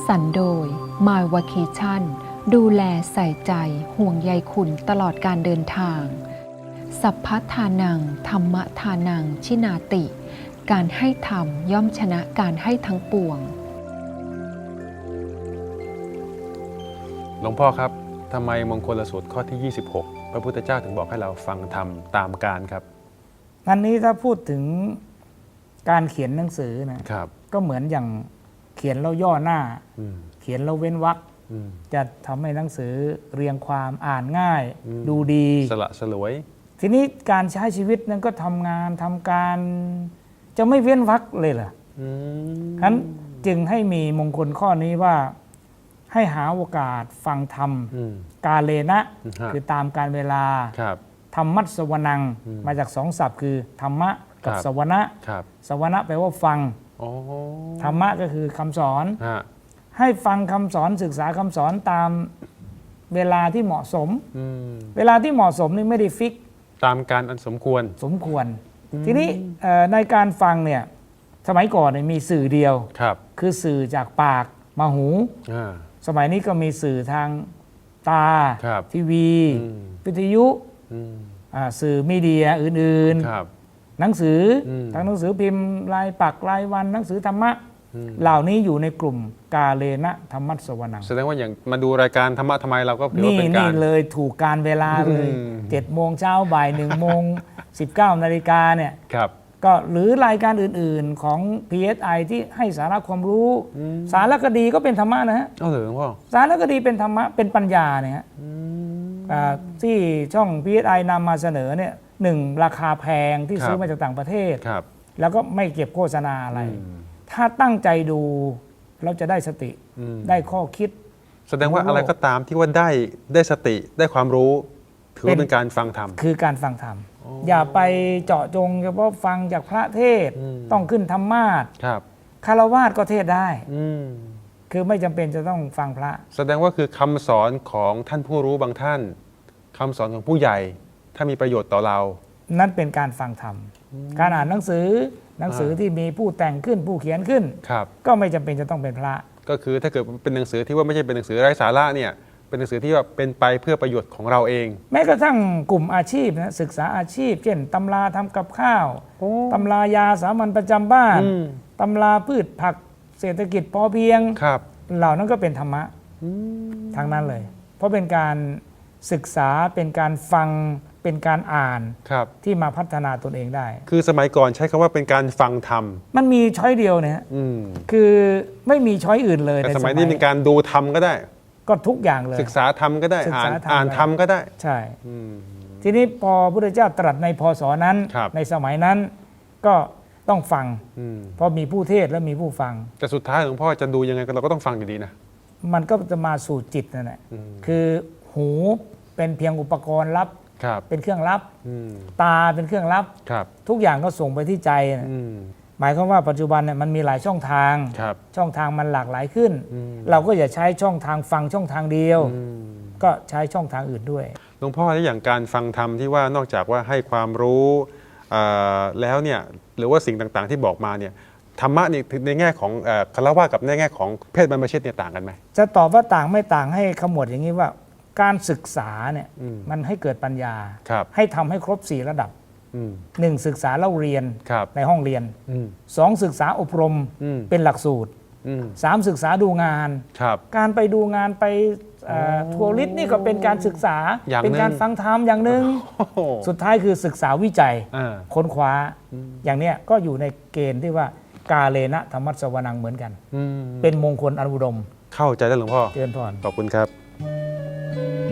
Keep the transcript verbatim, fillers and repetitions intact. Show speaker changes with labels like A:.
A: สรรค์โดย My Vacation ดูแลใส่ใจห่วงใยคุณตลอดการเดินทาง สัพพทานังธรรมทานังชินาติ การให้ธรรมย่อมชนะการให้ทั้งปวง
B: หลวงพ่อครับทำไมมงคลสูตรข้อที่ ยี่สิบหก พระพุทธเจ้าถึงบอกให้เราฟังธรรมตามกาลครับ
C: อันนี้ถ้าพูดถึงการเขียนหนังสือนะครับก็เหมือนอย่างเขียนแล้วย่อหน้า เขียนแล้วเว้นวรรคจะทำให้หนังสือเรียงความอ่านง่ายดูดี
B: สละสลวย
C: ทีนี้การใช้ชีวิตนั้นก็ทำงานทำการจะไม่เว้นวรรคเลยเหรอฉะนั้นจึงให้มีมงคลข้อนี้ว่าให้หาโอกาสฟังธรรมกาเลนะคือตามการเวลาธรรมัสสวนังมาจากสองศัพท์คือธรรมะกับสวนะสวนะแปลว่าฟังธรรมะก็คือคำสอนให้ฟังคำสอนศึกษาคำสอนตามเวลาที่เหมาะสมเวลาที่เหมาะสมนี่ไม่ได้ฟิก
B: ตามการอันสมควร
C: สมควรทีนี้ในการฟังเนี่ยสมัยก่อนมีสื่อเดียวคือสื่อจากปากมาหูสมัยนี้ก็มีสื่อทางตาทีวีวิทยุสื่อมีเดียอื่นๆหนังสือทั้งหนังสือพิมพ์รายปักรายวันหนังสือธรรมะเหล่านี้อยู่ในกลุ่มกาเลนะธรรมัสสวนัง
B: แสดงว่าอย่างมาดูรายการธรรมะทำไมเราก็ถือว่าเป็นการ
C: นี่เลยถูกการเวลาเลยเจ็ดโมงเช้าบ่ายหนึ่งโมงสิบเก้านาฬิกาเนี่ยก็หรือรายการอื่นๆของ พี เอส ไอ ที่ให้สาระความรู้สารคดีก็เป็นธรรมะนะฮะ
B: เอาเหรอพ่อ
C: สารคดีเป็นธรรมะเป็นปัญญาเนี่ยฮะที่ช่อง พี เอส ไอ นำมาเสนอเนี่ยหนึ่งราคาแพงที่ซื้อมาจากต่างประเทศแล้วก็ไม่เก็บโฆษณาอะไรถ้าตั้งใจดูเราจะได้สติได้ข้อคิด
B: แสดงว่าอะไรก็ตามที่ว่าได้ได้สติได้ความรู้ถือว่าเป็นการฟังธรรม
C: คือการฟังธรรมอย่าไปเจาะจงเฉพาะฟังจากพระเทศต้องขึ้นธรรมาสน์คารวาสก็เทศได้คือไม่จำเป็นจะต้องฟังพระ
B: แสดงว่าคือคำสอนของท่านผู้รู้บางท่านคำสอนของผู้ใหญ่ถ้ามีประโยชน์ต่อเรา
C: นั่นเป็นการฟังธรรมการอ่านหนังสือหนังสือที่มีผู้แต่งขึ้นผู้เขียนขึ้นก็ไม่จำเป็นจะต้องเป็นพระ
B: ก็คือถ้าเกิดเป็นหนังสือที่ว่าไม่ใช่เป็นหนังสือไร้สาระเนี่ยเป็นหนังสือที่ว่าเป็นไปเพื่อประโยชน์ของเราเอง
C: แม้กระทั่งกลุ่มอาชีพนะศึกษาอาชีพเช่นตำราทำกับข้าวตำรายาสามัญประจำบ้านตำราพืชผักเศรษฐกิจพอเพียงเหล่านั้นก็เป็นธรรมะทั้งนั้นเลยเพราะเป็นการศึกษาเป็นการฟังเป็นการอ่านที่มาพัฒนาตนเองได้
B: คือสมัยก่อนใช้คำว่าเป็นการฟังธรรม
C: มันมีช้อยเดียวเนี่ยคือไม่มีช้อยอื่นเลย
B: แต่สมัยนี้เป็นการดูธรรมก็ได้
C: ก็ทุกอย่างเลย
B: ศึกษาธรรมก็ได้อ่านอ่านธรรมก็ได้
C: ใช่ทีนี้พอพระพุทธเจ้าตรัสในพศนั้นในสมัยนั้นก็ต้องฟังเพราะมีผู้เทศและมีผู้ฟัง
B: แต่สุดท้ายหลวงพ่อจะดูยังไงเราก็ต้องฟังอยู่ดีนะ
C: มันก็จะมาสู่จิตนั่นแหละคือหูเป็นเพียงอุปกรณ์รับเป็นเครื่องรับตาเป็นเครื่องรับทุกอย่างก็ส่งไปที่ใจหมายความว่าปัจจุบันเนี่ยมันมีหลายช่องทางช่องทางมันหลากหลายขึ้นเราก็อย่าใช้ช่องทางฟังช่องทางเดียวก็ใช้ช่องทางอื่นด้วย
B: หลวงพ่อที่อย่างการฟังธรรมที่ว่านอกจากว่าให้ความรู้แล้วเนี่ยหรือว่าสิ่งต่างๆที่บอกมาเนี่ยธรรมะนี่ในแง่ของคฤหัสถ์กับในแง่ของเพศบรรพชิตเนี่ยต่างกันไหม
C: จะตอบว่าต่างไม่ต่างให้ขมวดอย่างนี้ว่าการศึกษาเนี่ยมันให้เกิดปัญญาให้ทำให้ครบสี่ระดับหนึ่งศึกษาเล่าเรียนในห้องเรียนสองศึกษาอบรมเป็นหลักสูตรสามศึกษาดูงานการไปดูงานไปทัวริสต์นี่ก็เป็นการศึกษาเป็นการฟังธรรมอย่างหนึ่งสุดท้ายคือศึกษาวิจัยค้นคว้าอย่างเนี้ยก็อยู่ในเกณฑ์ที่ว่ากาเลนะธรรมัสสวนังเหมือนกันเป็นมงคลอันอุดม
B: เข้าใจแล้วหลวงพ่อ
C: เจริญพร
B: ขอบคุณครับ